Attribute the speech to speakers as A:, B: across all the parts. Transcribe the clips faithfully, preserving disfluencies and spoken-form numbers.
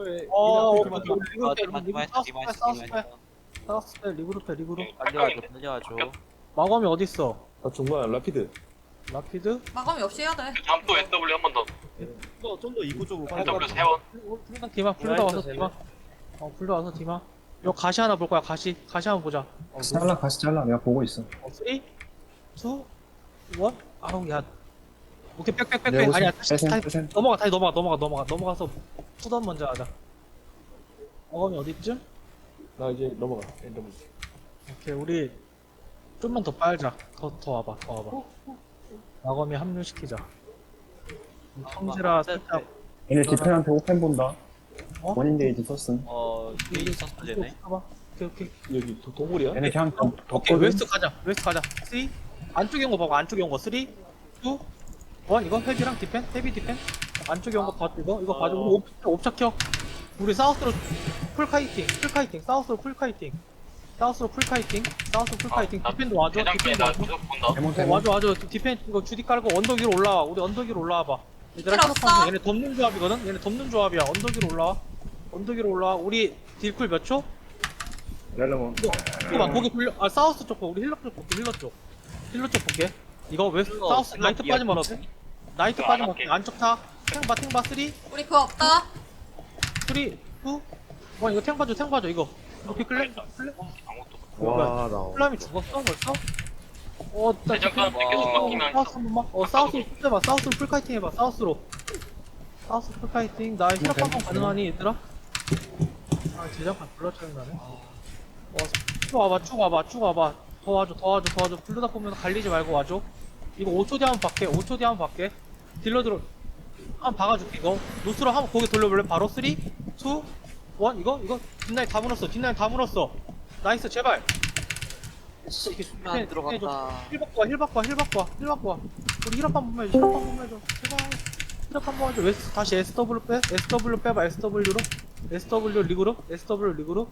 A: 어,
B: 리그룹
A: 오케이,
B: 좀
A: 오케이. 리그룹 때,
C: 디마이스
A: 리그룹
C: 디마이스
A: 사우스
C: 디마이스
A: 때,
C: 디마이스
A: 사우스 때, 리그룹 때, 리그룹.
C: 빨려와줘 빨려와줘.
A: 마검이 어딨어?
B: 아 중간 라피드.
A: 라피드?
D: 마감이 없이 해야 돼.
E: 다음 또 에스더블유 한 번 더.
B: 좀 더 입구 쪽으로 빨리.
E: 에스더블유 세 번.
A: 풀다 디마, 풀다 와서 디마. 어, 풀다 와서 디마. 요 가시 하나 볼 거야, 가시. 가시 한번 보자. 어,
F: 잘라 가시 잘라 내가 보고 있어.
A: 어, 삼, 이, 일. 아우, 야. 오케이, 빽빽빽빽.
F: 내가
A: 아니야,
F: 보세요.
A: 다시, 다시,
F: 빼셈,
A: 넘어가, 다시 넘어가, 넘어가, 넘어가. 넘어가서 푸던 먼저 하자. 마검이 어디쯤?
B: 나 이제 넘어가. 엔더블유.
A: 오케이, 우리 좀만 더 빨자. 더, 더 와봐, 더 와봐. 마검이 합류시키자. 성지라 살짝.
F: 얘네 디펜한테 오펜 본다.
A: 어?
F: 원인 게이지 썼음.
C: 어 이게 있었어 쟤네.
A: 봐봐. 오케이, 오케이.
B: 여기 도, 동굴이야?
F: 얘네 그냥 더
A: 오케이,
F: 덮거든.
A: 웨스트 가자. 웨스트 가자. 삼. 안쪽에 온 거 봐봐. 안쪽에 온 거. 삼, 이, 일. 이거 헤비랑 디펜? 헤비 디펜? 안쪽에 온 거 봐. 이거 이거 봐줘. 우리 옵, 옵차 켜. 우리 사우스로 풀 카이팅. 풀 카이팅. 사우스로 풀 카이팅. 사우스로 풀 카이팅. 사우스로 풀 카이팅. 디펜도 와줘.
E: 대장님이
A: 디펜도
E: 나
A: 와줘.
E: 계속 본다.
F: 데몬
A: 어,
F: 데몬.
A: 와줘 와줘. 디펜 이거 주디 깔고 언덕 위로 올라와. 우리 언덕 위로 올라와 봐. 얘들아
D: 필요
A: 힐업하면서
D: 없어.
A: 얘네 덮는 조합이거든. 얘네 덮는 조합이야. 언덕 위로 올라와. 언덕 위로 올라와. 우리 딜쿨 몇 초?
F: 렐레몬.
A: 이거 봐, 거기 돌려. 아, 사우스 쪽 봐. 우리 힐러 쪽 볼게, 힐러 쪽. 힐러 쪽 볼게. 이거 웨스트,
C: 힐러,
A: 사우스,
C: 힐러
A: 나이트
C: 비야,
A: 빠지면
C: 힐러
A: 어때?
C: 비.
A: 나이트
E: 힐러
A: 빠지면
E: 안
A: 어때?
E: 할게.
A: 안쪽 타. 탱바, 탱바, 삼, 이,
D: 우리 그거 없다.
A: 일. 와, 이거 탱 봐줘, 탱 봐줘, 이거. 이거 비클레? 비클레?
E: 아무것도.
B: 와 나.
A: 플라임이 죽었어, 벌써? 어, 나
E: 대장간
A: 디펜-
E: 계속
A: 어,
E: 막히면
A: 사우스 한 번만. 어, 사우스로 풀 해봐. 사우스로 풀카이팅 해봐, 사우스로. 사우스 풀카이팅. 나 힐업
F: 네,
A: 한번 가능하니, 얘들아? 아, 제작관 불러 짜증나네. 어, 쭉 와봐, 쭉 와봐, 쭉 와봐. 더 와줘, 더 와줘, 더 와줘. 블루다 보면 갈리지 말고 와줘. 이거 오 초 뒤에 한번 밖에, 오 초 뒤에 한번 밖에. 딜러들어. 한번 박아줄게, 이거. 노스로 한번 고개 돌려볼래? 바로 삼, 이, 일. 이거? 이거? 뒷라인 다 물었어, 뒷라인 다 물었어. 나이스, 제발. 이렇게
C: 안 들어갔다.
A: 힐 바꿔, 힐 바꿔, 힐 바꿔, 힐 바꿔. 우리 힐업 한 번만 해줘, 힐업 한 번만 해줘. 제발. 힐업 한 번만 해줘. 웨스, 다시 에스더블유 빼, 에스더블유 빼봐, 에스더블유로. 에스더블유 리그룹, 에스더블유 리그룹.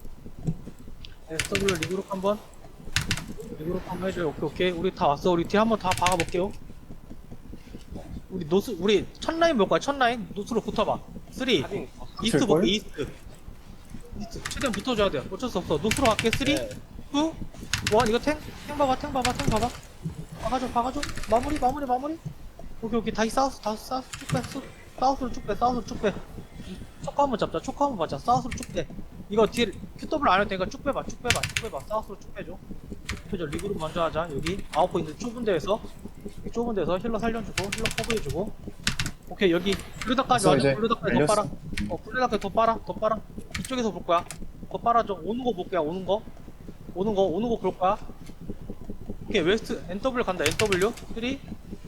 A: 에스더블유 리그룹 한 번. 리그룹 한 번 해줘요. 오케이, 오케이. 우리 다 왔어. 우리 뒤에 한 번 다 박아볼게요. 우리 노스, 우리 첫 라인 볼 거야, 첫 라인. 노스로 붙어봐. 삼, 이스트
F: 붙을걸?
A: 볼게, 이스트. 이스트. 최대한 붙어줘야 돼. 어쩔 수 없어. 노스로 갈게. 삼, 이, 이, 일. 이거 탱? 탱 봐봐, 탱 봐봐, 탱 봐봐. 박아줘, 박아줘. 마무리, 마무리, 마무리. 오케이, 오케이. 다시 사우스, 다시 사우스 쭉 빼. 수- 사우스로 쭉 빼, 사우스로 쭉 빼. 초코 한번 잡자, 초코 한번 받자. 사우스로 쭉 빼. 이거 딜, 큐더블 안 해도 되니까 쭉 빼봐, 쭉 빼봐, 쭉 빼봐. 사우스로 쭉 빼줘. 그죠, 리그룹 먼저 하자. 여기 아웃 포인트 좁은 데에서. 여기 좁은 데서 힐러 살려주고, 힐러 커브해주고. 오케이, 여기 블루다까지
F: 됐어,
A: 와줘.
F: 이제.
A: 블루다까지 더
F: 열렸어.
A: 빨아. 어, 블루다까지 더 빨아, 더 빨아. 이쪽에서 볼 거야. 더 빨아줘. 오는 거 볼 거야, 오는 거. 오는 거, 오는 거 볼 거야. 오케이, 웨스트, 엔더블유 간다, 엔더블유. 삼, 이, 이.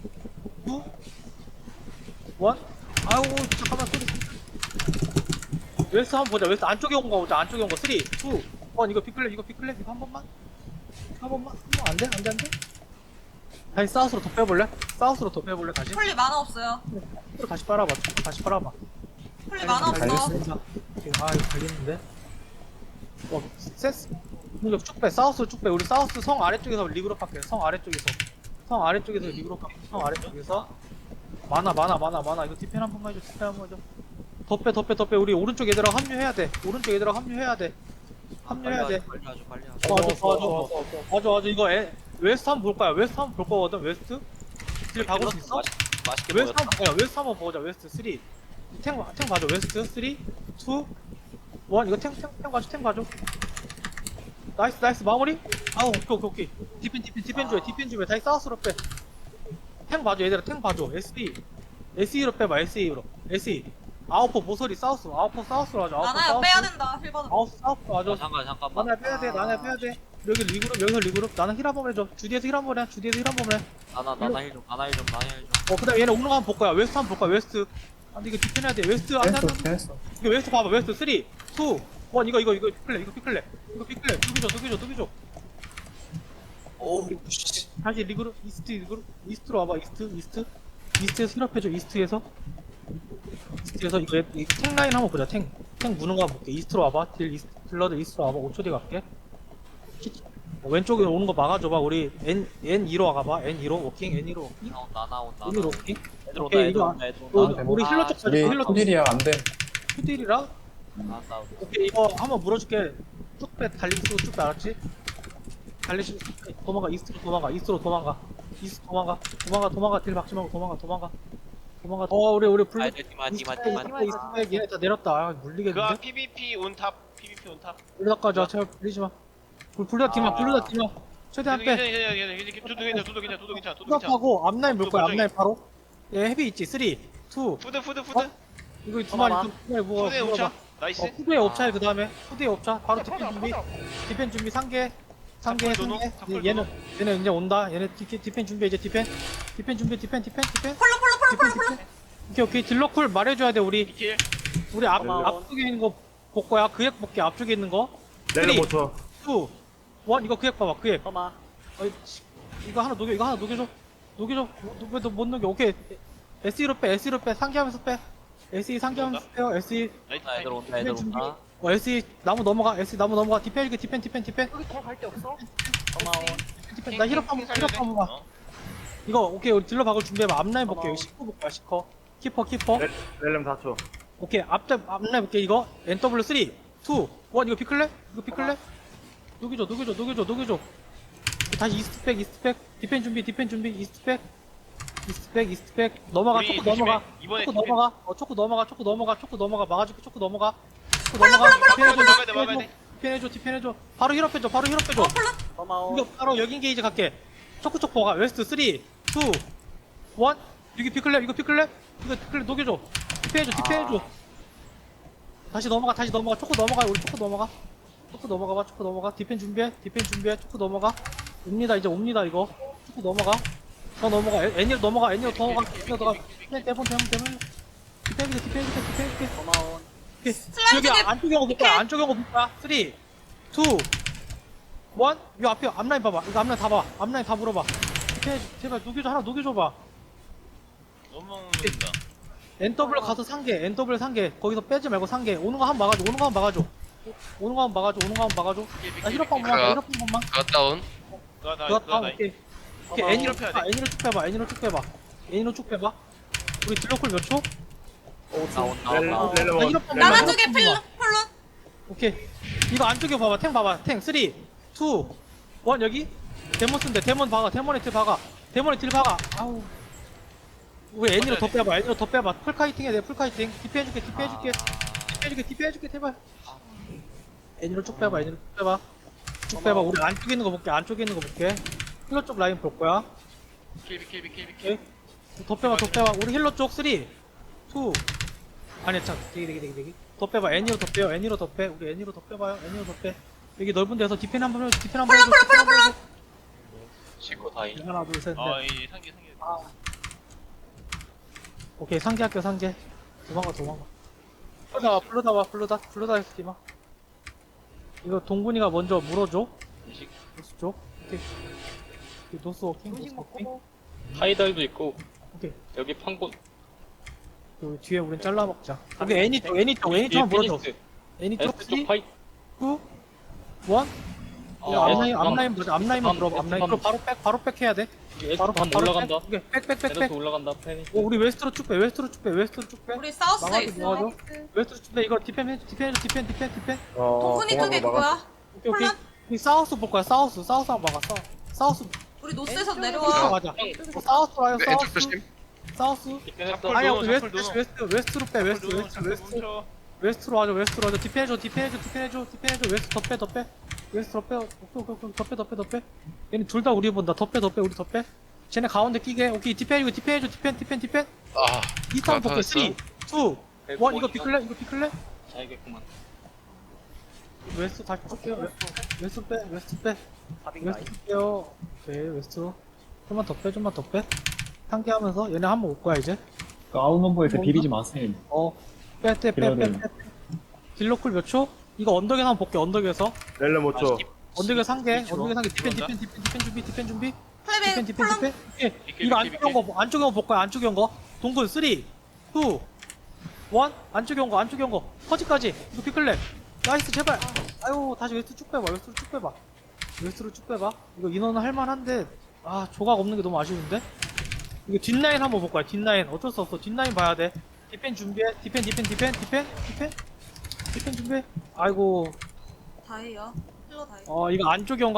A: 아우, 잠깐만, 소리. 웨스트 한번 보자. 웨스트 안쪽에 온 거 보자. 안쪽에 온 거. 삼, 이, 일. 이거 피클랩, 이거 피클랩, 이거 한 번만. 한 번만. 한 번 안 돼? 안 돼, 안 돼? 다시 사우스로 더 빼볼래? 사우스로 더 빼볼래, 다시?
D: 폴리 만화 없어요.
A: 또 다시 빨아봐. 다시 빨아봐.
D: 폴리 만화 없어.
F: 달렸어.
A: 오케이, 아, 이거 걸리는데? 어, 세스. 이거 쭉 빼. 사우스로 쭉 빼. 우리 사우스 성 아래쪽에서 리그로 할게. 성 아래쪽에서. 성 아래쪽에서 리그로 할게. 성 아래쪽에서. 많아, 많아, 많아, 많아. 이거 디펜 한 번만 해줘. 디펜 한 번만 해줘. 더 빼, 더 빼, 더 빼. 우리 오른쪽 얘들아 합류해야 돼. 오른쪽 얘들아 합류해야 돼. 합류해야 돼.
C: 빨려와줘 빨려와줘.
A: 도와줘, 도와줘. 맞아, 맞아. 이거 에, 웨스트 한번 볼 거야. 웨스트 한번 볼 거거든. 웨스트. 딜 박을 수 있어?
C: 맛있- 맛있게
A: 웨스트
C: 보였다.
A: 한번 보자. 웨스트 한번 보자. 웨스트 삼. 탱, 탱 봐줘. 웨스트 삼, 이, 일. 이거 탱, 탱, 탱 봐줘. 탱 봐줘. 나이스, 나이스. 마무리. 아우, 오케이, 오케이, 오케이. 디펜, 디펜, 디펜 줘야 디펜 줘야 다시 사우스로 빼. 탱 봐줘. 얘들아, 탱 봐줘. 에스이. 에스이로 빼봐. 에스이로. 에스이. 아웃포 모서리 사우스. 아웃포 사우스로 하자. 아웃포
D: 나나야
A: 사우스.
D: 빼야 된다. 힐 받아.
A: 아웃 사우스로 하자.
C: 어, 잠깐 잠깐만.
A: 나나 빼야 돼. 나나 빼야 돼. 여기 리그룹, 여기서 리그룹. 나는 힐 한 번 해줘. 주디에서 힐 한 번 해. 주디에서 힐 한 번 해.
C: 나나 나나 힐좀 나나 힐좀 나나 힐 좀.
A: 어, 그 다음에 얘네 오는 거 한번 볼 거야. 웨스트 한번 볼 거야. 웨스트. 아, 근데 이거 디펜해야 돼. 웨스트. 안 돼, 안 돼,
F: 됐어
A: 안 돼.
F: 됐어.
A: 이거 웨스트 봐봐. 웨스트 삼, 이, 일. 이거, 이거, 이거 피클레. 이거 피클레. 이거 피클레. 두기줘, 두기줘, 두기줘.
C: 오 씨.
A: 다시 리그룹, 이스트, 리그룹. 이스트로 와봐. 이스트, 이스트. 이스트에서 힐업해줘. 이스트에서. 이스트에서 이거 얘- 이 탱라인 한번 보자. 탱. 탱 무는 거 한번 볼게. 이스트로 와봐. 딜, 이스트, 딜러들 이스트로 와봐. 오 초 뒤에 갈게. 어, 왼쪽에 오는 거 막아줘봐. 우리 N, N2로 가봐. N2로 워킹, N2로 워킹.
C: 나온다 나온다.
A: N으로 워킹.
C: 애들 온다
A: 오케이,
C: 애들
A: 이거
C: 온다 애들
A: 어,
C: 온다.
F: 아,
A: 우리 힐러 쪽 가자.
F: 우리
A: 힐러 쪽.
F: 투딜이야 안 돼.
A: 투딜이라
C: 안 싸우고.
A: 오케이, 이거 한번 물어줄게. 쭉 빼, 달리기 쓰고 쭉 빼, 알았지? 달리기 쓰고 도망가, 이스트로 도망가, 이스트로 도망가. 이스트 도망가, 도망가, 도망가, 딜 박지 말고 도망가, 도망가. 도망가. 어, 우리, 우리 블루.
C: 아, 디마, 디마, 디마, 디마.
A: 이스트 얘네 다 내렸다. 아,
E: 그거
A: 물리겠는데?
E: 피비피 온탑 피비피 온탑
A: 블루다까지 와, 제발 불리지 마. 불, 불다 디마,
C: 아.
A: 불다 디마. 최대한 빼.
E: 괜찮아 괜찮아 괜찮아 두두 괜찮아 두두 괜찮아 두두 괜찮아 두두 괜찮아
A: 수납하고 앞라인 물 거야,
E: 먼저
A: 앞라인 바로. 얘 헤비 있지? 쓰리, 투.
E: 푸드 푸드 푸드
A: 이거 두 마리,
C: 봐봐.
A: 두 마리 뭐가.
E: 푸드에 오차 나이스
A: 어, 푸드에 옵차에 그 다음에 푸드에 옵차 바로 디펜 준비 디펜 준비 상계 상계
E: 탑골 도노,
A: 상계
E: 탑골
A: 얘- 얘는 얘는 이제 온다 얘네 디, 디펜 준비 이제 디펜 디펜 준비 디펜 디펜 디펜
D: 폴로 폴로 폴로 폴로
A: 디펜
D: 폴로.
A: 디펜 오케이 오케이 딜러쿨 말해줘야 돼 우리
E: 이킬
A: 우리 앞,
C: 고마워.
A: 앞쪽에 있는 거 볼 거야 그액 볼게 앞쪽에 있는 거
B: 렐름
A: 쓰리,
B: 못 쳐.
A: 투, 원 이거 그액 봐봐 그액
C: 터마.
A: 어이, 씨, 이거 하나 녹여 이거 하나 녹여줘 녹여줘 왜너 못 녹여 오케이 에스이로 빼 에스이로 빼 상기하면서 빼 에스이 상기하면서 빼요 에스이
E: 나이스
C: 나 애들 온다, 애들
A: 준비.
C: 온다.
A: 어 에스이 나무 넘어가 에스이 나무 넘어가 디펜 이거 디펜 디펜 디펜
C: 터마온.
A: 디펜 나 힐업 한번 힐업 한번 봐
E: 어.
A: 이거 오케이 우리 딜러 박을 준비해봐 앞라인 볼게 여기 십구 볼거야 십커 키퍼 키퍼
B: 렐- 렐름 사 초.
A: 오케이 앞잡 앞라인 볼게 이거 엔더블유 쓰리 투 원 이거 피클래? 이거 피클래? 녹여줘 녹여줘 녹여줘 녹여줘 다시 이스트백 이스트백 디펜 준비 디펜 준비 이스트백 이스트백 이스트백 넘어가
E: 우리
A: 초코
E: 조심해.
A: 넘어가
E: 이번에
A: 초코
E: 디펜.
A: 넘어가 어 초코 넘어가 초코 넘어가 초코 넘어가 막아줄게 초코 넘어가 초코
D: 폴로,
A: 넘어가
D: 폴로, 폴로,
A: 디펜
E: 폴로,
A: 해줘,
E: 폴로. 막아야 돼,
A: 디펜 해줘 디펜 해줘 바로 힐업해줘 바로 힐업해줘
C: 터마온.
A: 이거 바로 여긴 게이지 갈게. 초코초코가 웨스트 쓰리, 이, 일. 여기 피클랩, 이거 피클랩? 이거 피클랩 녹여줘. 디펜해줘, 디펜해줘. 다시 넘어가, 다시 넘어가. 초코 넘어가, 우리 초코 넘어가. 초코 넘어가 봐, 초코 넘어가. 디펜 준비해, 디펜 준비해. 초코 넘어가. 옵니다, 이제 옵니다, 이거. 초코 넘어가. 더 넘어가. 애- 애니로 넘어가, 애니로 더 가. 애니로 더 가. 디펜, 대본, 대본, 대본. 디펜, 디펜, 디펜, 디펜, 디펜.
C: 터마온.
A: 오케이.
D: 슬라이드
A: 여기
D: 딥.
A: 안쪽에 오고 볼 거야. 안쪽에 오고 볼 거야. 쓰리, 이, 일. 이 앞에 앞라인 봐봐. 이거 앞라인 다 봐. 앞라인 다 물어봐. 오케이, 제발 녹여줘. 하나 녹여줘봐.
E: 너무 먹는다
A: 엔더블 가서 상계. 엔더블 상계. 거기서 빼지 말고 상계. 오는 거 한 번 막아줘. 오는 거 한 번 막아줘. 오는 거 한 번 막아줘. 오는 거 한 번 막아줘. 나 힐업 한 번만. 나 힐업 한 번만.
G: 갓다운
E: 나나
A: 그거
E: 나
A: 다
E: 나
A: 오케이. 오케이.
E: 어,
A: 애니로
E: 힐업
A: 쭉
E: 해야
A: 빼봐.
E: 돼.
A: 애니로 쭉 빼봐. 애니로 쭉 빼봐. 애니로 쭉 빼봐. 우리 딜러콜 몇 초?
C: 나 온다,
B: 렐름
C: 온다.
B: 렐름
A: 나
B: 원.
A: 힐업 한
D: 나나
A: 번만.
D: 쪽에 폴로 폴로.
A: 오케이. 이거 안쪽에 봐봐. 탱 봐봐. 탱 쓰리, 이, 일. 여기. 데몬 쓴데. 데몬 박아. 데몬에 딜 박아. 데몬에 딜 박아. 아우. 우리 애니로 더 빼봐. 애니로 더 빼봐. 풀카이팅 해야 돼. 풀카이팅. 디피 해줄게. 디피 해줄게. 디피 해줄게. 디피 해줄게. 제발. 애니로 쭉 빼봐. 애니로 쭉 빼봐. 쭉 빼봐. 우리 안쪽에 있는 거 볼게. 안쪽에 있는 거 볼게. 힐러 쪽 라인 볼 거야.
E: 킬비 킬비 킬비
A: 오케이.
E: 킬
A: 더 빼봐. 더 빼봐. 우리 힐러 쪽 쓰리, 이. 아니 참. 되게 되게 되게 되게. 더 빼봐. 애니로 더 빼요. 애니로 더 빼. 우리 애니로 더 빼봐요. 애니로 더 빼. 여기 넓은 데서 디펜 한번 해줘. 디펜 한번
D: 폴로
A: 해줘.
D: 폴로 폴로 폴로.
C: 지구 다이.
A: 하나 둘 셋 넷.
E: 아이 상계 상계
A: 오케이 상계 할게요 상계. 도망가 도망가. 불러다 와 불러다 와 불러다 불러다 했지마. 이거 동군이가 먼저 물어줘. 노스 쪽. 오케이. 오케이, 노스 워킹. 노스 워킹.
G: 하이달도 있고
A: 오케이.
G: 여기 판고
A: 여기 뒤에 우린 잘라 먹자. 여기 애니 쪽 애니 쪽 애니 쪽 한번 물어줘.
G: 피니스
A: 애니 쪽
G: 에스
A: 쓰리,
G: 쪽 파이
A: 이, 일.
G: 어,
A: 앞라인
G: 에스
A: 앞라인 보자. 앞라인만
G: 에스
A: 물어봐. 앞라인.
G: 에스
A: 그럼 바로 백 바로 백 해야 돼.
G: 에스
A: 바로
G: 반
A: 바로
G: 올라간다
A: 백. 오케이. 백백백
G: 에스
A: 백.
G: 올라간다 페니
A: 오 우리 웨스트로 쭉 빼. 웨스트로 쭉 빼. 웨스트로 쭉 빼.
D: 우리 사우스에
A: 나가서
D: 있어.
A: 도와줘. 웨스트로 쭉 빼. 이거 디펜 해. 디펜 해줘. 디펜 디펜 디펜.
B: 어,
D: 동훈이 쪽에
B: 공항으로 막았어.
D: 그거야.
A: 오케이 오케이.
D: 콜라?
A: 우리 사우스 볼 거야. 사우스. 사우스 한번 막아. 사- 사우스.
D: 우리 노스에서
A: 아,
D: 내려와.
A: 맞아. 어, 사우스 와요.
G: 네,
A: 사우스.
G: 왼쪽 조심
A: 사우스.
G: 디펜했어
E: 폴
A: 아니야,
E: 도노,
A: 우리 웨스트,
E: 폴 도노.
A: 웨스트, 웨스트, 웨스트로 빼, 웨스트, 웨스트, 웨스트,
E: 멈춰
A: 웨스트로 와줘, 웨스트로 와줘. 디펜해줘, 디펜해줘, 디펜해줘, 디펜해줘. 웨스트 더 빼, 더 빼. 웨스트 더 빼, 오케이, 오케이, 오케이. 더 빼, 더 빼, 더 빼. 얘네 둘 다 우리 본다. 더 빼, 더 빼, 우리 더 빼. 쟤네 가운데 끼게. 오케이, 디펜해줘, 디펜해줘, 디펜, 디펜, 디펜.
G: 아
A: 이스탄 볼게.
G: 받았어.
A: 쓰리, 이, 일. 이거 비클래? 이거 비클래?
G: 잘겠구만
A: 웨스트 다시 뺄게요. 웨스트, 웨스트 빼, 웨스트 빼. 웨스트 빼요. 오케이, 웨스트로. 좀만 더 빼, 좀만 더 빼. 상기하면서 얘네 한번 올 거야, 이제.
F: 그 아웃넘버에서 비비지 마세요.
A: 어, 빼, 빼, 빼, 빼,
F: 딜러들.
A: 빼. 딜러쿨 몇 초? 이거 언덕에서 한번 볼게, 언덕에서.
B: 렐름 오 초.
A: 언덕에 상계,
E: 이치로.
A: 언덕에 상계, 디펜,
E: 이치로
A: 디펜, 디펜, 디펜 준비, 디펜 준비, 디펜,
D: 플레이백
A: 디펜,
D: 폴로.
A: 디펜. 오케이.
E: 비킬,
A: 이거
E: 비킬,
A: 안쪽에 온 거, 안쪽에 온 거 볼 거야, 안쪽에 온 거. 동굴, 쓰리, 이, 일. 안쪽에 온 거, 안쪽에 온 거. 퍼지까지. 이거 피클랩. 나이스, 제발. 아유, 다시 웨스트 쭉 빼봐, 웨스트로 쭉 빼봐. 웨스트로 쭉 빼봐. 이거 인원은 할만한데, 아, 조각 없는 게 너무 아쉬운데? 이거 뒷라인 한번 볼 거야, 뒷라인. 어쩔 수 없어. 뒷라인 봐야 돼. 디펜 준비해. 디펜, 디펜, 디펜, 디펜, 디펜. 디펜 준비. 아이고.
D: 다이요. 힐러 다이.
A: 어 이거 안쪽에 온 거